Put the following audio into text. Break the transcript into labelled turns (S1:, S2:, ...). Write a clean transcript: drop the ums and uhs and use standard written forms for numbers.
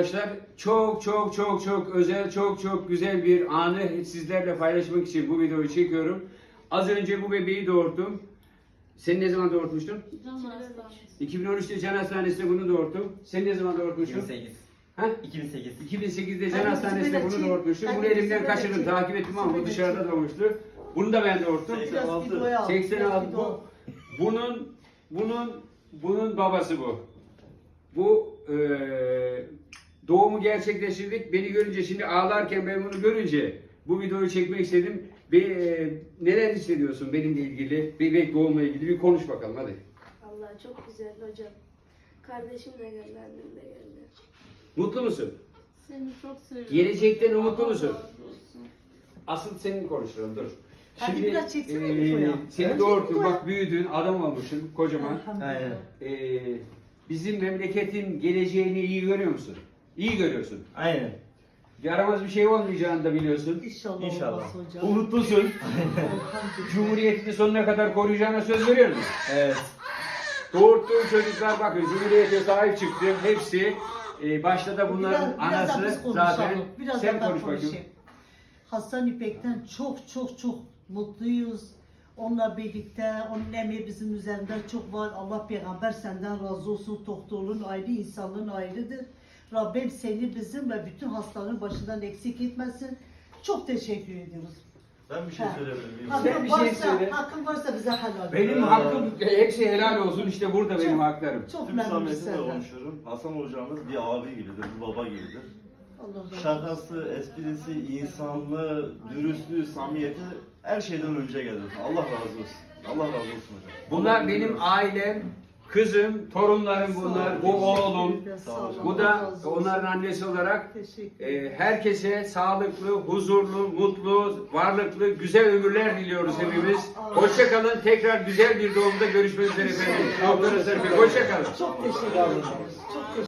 S1: arkadaşlar. Çok çok çok çok özel, çok çok güzel bir anı sizlerle paylaşmak için bu videoyu çekiyorum. Az önce bu bebeği doğurdum. Sen ne zaman doğurtmuştun? 2013'te Can Hastanesi'nde bunu doğurdum. Sen ne zaman doğurtmuştun?
S2: 2008.
S1: Ha?
S2: 2008.
S1: 2008'de Can Hastanesi'nde bunu doğurtmuştum. Bunu elimden kaçırdım, takip ettim ama bu dışarıda doğmuştu. Bunu da ben doğurttum. 86. Bunun babası bu. Bu doğumu gerçekleştirdik. Beni görünce, şimdi ağlarken ben bunu görünce bu videoyu çekmek istedim. Neler hissediyorsun benimle ilgili, bebek doğumla ilgili bir konuş bakalım hadi.
S3: Allah çok güzel hocam. Kardeşim de geldi, annem de geldi.
S1: Mutlu musun?
S4: Seni çok seviyorum.
S1: Gelecekten umutlu musun?
S4: Allah razı olsun.
S1: Asıl senin konuşalım, dur.
S5: Hadi biraz çeksene Niko'ya.
S1: Seni doğurttun, bak büyüdün, adam olmuşsun kocaman.
S2: Aynen.
S1: Bizim memleketin geleceğini iyi görüyor musun? İyi görüyorsun.
S2: Aynen.
S1: Yaramaz bir şey olmayacağını da biliyorsun.
S5: İnşallah,
S2: İnşallah.
S5: olmaz hocam.
S1: Umutlusun.
S5: Elhamdülillah.
S1: Cumhuriyetini sonuna kadar koruyacağına söz veriyor musun?
S2: Evet.
S1: Doğurttuğun çocuklar bakın Cumhuriyete sahip çıktı. Hepsi başta da bunların
S5: Biraz da
S1: anası
S5: biz konuşalım.
S1: zaten.
S5: Biraz
S1: Sen
S5: da ben
S1: konuş bakayım.
S5: konuşayım. Hasan İpek'ten çok mutluyuz. Onunla birlikte, onun emeği bizim üzerinde çok var. Allah peygamber senden razı olsun. Doktorluğun ayrı, insanlığın ayrıdır. Rabbim seni bizimle bütün hastaların başından eksik etmesin. Çok teşekkür ediyoruz.
S6: Ben bir şey
S5: Ha.
S6: söyleyebilir miyim?
S1: Sen bir şey
S5: varsa,
S1: söyle.
S5: hakkın varsa bize helal.
S1: Benim hakkım hepsi helal olsun, işte burada benim haklarım.
S5: Çok
S6: Tüm
S5: memnunum
S6: samimiyetimle
S5: senden.
S6: konuşuyorum. Hasan hocamız bir abi gibidir, bir baba gibidir.
S5: Allah razı olsun.
S6: Şakası, esprisi, insanlığı, dürüstlüğü, samimiyeti her şeyden önce gelir. Allah razı olsun. Allah razı olsun hocam.
S1: Bunlar benim ailem, kızım, torunlarım bunlar, bu oğlum.
S5: Sağ olun.
S1: Bu
S5: Allah
S1: da
S5: razı olsun.
S1: onların annesi olarak
S5: Teşekkür ederim.
S1: herkese sağlıklı, huzurlu, mutlu, varlıklı, güzel ömürler diliyoruz hepimiz. Hoşça kalın. Tekrar güzel bir doğumda görüşmek üzere efendim. Doktor Eser Bey, hoşça kalın.
S5: Çok teşekkür ederim. Çok teşekkür